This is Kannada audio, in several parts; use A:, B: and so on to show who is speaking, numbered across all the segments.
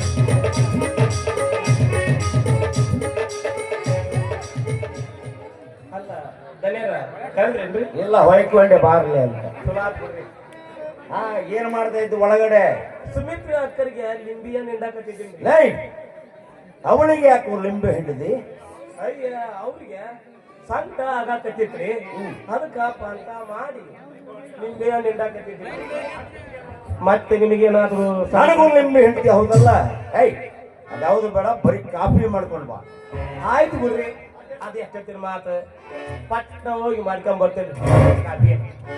A: ಅಲ್ಲ ದನಿಯರ ಕರೆದ್ರೇನ್ರಿ?
B: ಇಲ್ಲ ಹೊಯ್ಕೊಂಡೆ ಬಾರ್ಲಿ ಅಂತ.
A: ಚಲೋ ಆತ್ ಬಿಡ್ರಿ.
B: ಹಾ, ಏನ್ ಮಾಡ್ತಾ ಇದ್ದು ಒಳಗಡೆ?
A: ಸುಮಿತ್ರಾ ಅಕ್ಕರಿಗೆ ಲಿಂಬಿಯ ನಿಂದಾಕತ್ತಿದ್ದೀನಿ.
B: ಲೈ, ಅವಳಿಗೆ ಯಾಕೆ ಲಿಂಬೆ ಹಿಡಿದಿ?
A: ಅಯ್ಯ ಅವ್ರಿಗೆ ಸಂಕಟ ಆಗಾಕತ್ತಿತ್ರಿ, ಅದಕ್ಕಪ್ಪ ಅಂತ ಮಾಡಿ ಲಿಂಬಿಯ ನಿಂದಾಕತ್ತಿದ್ದೀನಿ. ಮತ್ತೆ ನಿಮಗೇನಾದ್ರು
B: ನನಗೂ ಲಿಂಬೆ ಹಿಡ್ತಿ ಹೌದಲ್ಲ? ಏಯ್, ಅದ್ಯಾವುದು ಬೇಡ, ಬರೀ ಕಾಫಿ ಮಾಡ್ಕೊಂಡು ಬಾ.
A: ಆಯ್ತು ಬಿಡ್ರಿ, ಅದು ಎಷ್ಟೊತ್ತಿನ ಮಾತು. ಪಟ್ಟ ಹೋಗಿ ಮಾಡ್ಕೊಂಡ್ ಬರ್ತೇನೆ ಕಾಫಿ.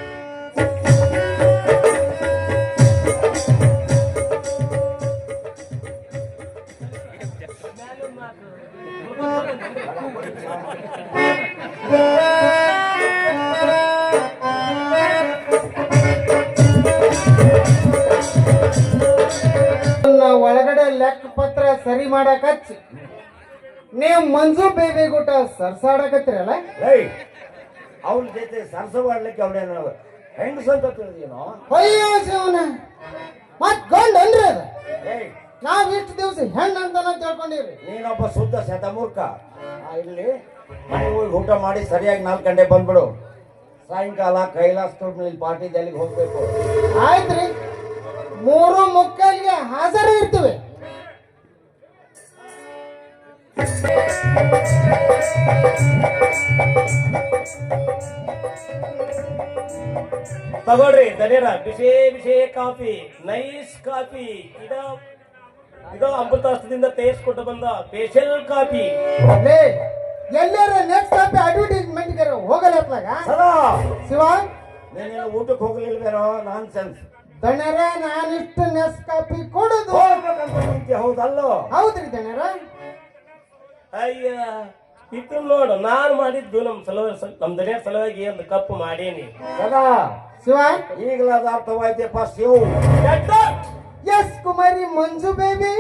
C: ಒಳಗಡೆ ಲೆಕ್ಕ ಪತ್ರ ಸರಿ ಮಾಡಕ್ ಹಚ್ಚಿ ನೀವು ಮಂಜು ಬೇಬಿ ಗುಟ ಸರ್ಸಾಡಕತ್ತಿರಲ್ಲ.
B: ಏಯ್, ಅವಳ ಜೊತೆ ಸರ್ಸವಾಡ್ಲಿಕ್ಕೆ ಅವಳೇನು ಹೆಂಗಸಂತ ತಿಳಿದೇನೋ?
C: ಅಯ್ಯೋ ಶಿವನ, ಮತ್ ಗಂಡ ಅನ್ರಿ ಅದ.
B: ಏಯ್,
C: ನಾವ್ ಇಷ್ಟು ದಿವಸ ಹೆಣ್ಣ ಅಂತಾನ ತಿಳ್ಕೊಂಡಿವ್ರಿ.
B: ನೀನೊಬ್ಬ ಶುದ್ಧ ಶತಮೂರ್ಖ. ಇಲ್ಲಿ ಮನೆಗೆ ಹೋಗಿ ಊಟ ಮಾಡಿ ಸರಿಯಾಗಿ 4 ಗಂಟೆ ಬಂದ್ಬಿಡು. ಸಾಯಂಕಾಲ ಕೈಲಾಸ ತೋಟದಲ್ಲಿ ಪಾರ್ಟಿ ಜಲ್ಲಿಗೆ ಹೋಗ್ಬೇಕು.
C: ಆಯ್ತ್ರಿ, 3:45ಗೆ ಹಾಜರು ಇರ್ತೀವಿ.
A: ತಗೊಳ್ರಿ ದನಿಯರ, ಬಿಸಿ ಬಿಸಿ ಕಾಫಿ, ನೈಸ್ ಕಾಫಿ. ಇದು ಅಮೃತಾಸ್ತ್ರದಿಂದ ತಯಾರಿಸ್ಕೊಟ್ಟು ಬಂದ ಸ್ಪೆಷಲ್ ಕಾಫಿ.
C: ಎಲ್ಲಾರ ನೆಕ್ಸ್ಟ್ ಕಾಪಿ ಅಡ್ವರ್ಟೈಸ್ಮೆಂಟ್ ಹೋಗಲಪ್ಲಾಗ
B: ಸದಾ
C: ಶಿವ,
B: ನೀನೇನು ಊಟಕ್ಕೆ ಹೋಗ್ಲಿಲ್ವೇನೋ? Nonsense.
C: ದಣರ, ನಾನಿಷ್ಟು ನೆಕ್ಸ್ಟ್ ಕಾಪಿ ಕೊಡುದು
B: ಹೋಗ್ಬೇಕಂತ ನಿಂತಿ ಹೌದಲ್ಲೋ?
C: ಹೌದ್ರಿ ದಣರ.
A: ಅಯ್ಯ, ಇದು ನೋಡು, ನಾನು ಮಾಡಿದ್ದು ನಮ್ ದನಿಯರ ಸಲುವಾಗಿ ಒಂದು ಕಪ್ಪು ಮಾಡೇನಿ.
B: ಸದಾ
C: ಶಿವ,
B: ಈಗಲಾದ ಅರ್ಥವಾಯ್ತಪ್ಪ ಶಿವು.
C: Yes Kumari Manju baby.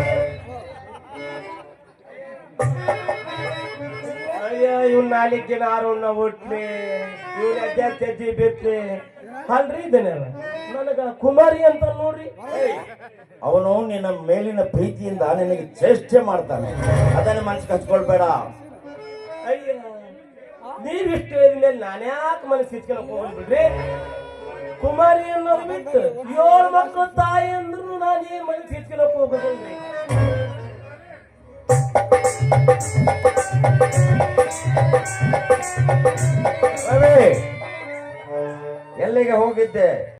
A: ಅಯ್ಯ, ಇವ್ 4 ಜನ ಆರೋಣ ಹುಟ್ಲಿ, ಇವ್ರ ಅಜ್ಜಿ ಬಿತ್ಲಿ ಅಲ್ರಿ ದನಿಯರ. ನನಗ ಕುಮಾರಿ ಅಂತ ನೋಡ್ರಿ.
B: ಅವನು ನಿನ್ನ ಮೇಲಿನ ಪ್ರೀತಿಯಿಂದ ನಿನಗೆ ಚೇಷ್ಟೆ ಮಾಡ್ತಾನೆ, ಅದನ್ನ ಮನಸ್ಸಿಗೆ ಹಚ್ಕೊಳ್ಬೇಡ.
A: ಅಯ್ಯ, ನೀವಿಷ್ಟು ಹೇಳಿದ್ಮೇಲೆ ನಾನ್ಯಾಕೆ ಮನಸ್ಸು ಹಿಚ್ಕೊಳಕ್ ಹೋಗ್ಬಿಡ್ರಿ? ಕುಮಾರಿ ಅನ್ನೋದು ಬಿಟ್ಟು 7 ಮಕ್ಕಳು ತಾಯಿ ಅಂದ್ರು ನಾನು ಏನ್ ಮನಸ್ಸು ಹಿಚ್ಕೊಳಕ್ ಹೋಗೋದಲ್ರಿ.
B: ರವಿ, ಎಲ್ಲಿಗೆ ಹೋಗಿದ್ದೆ?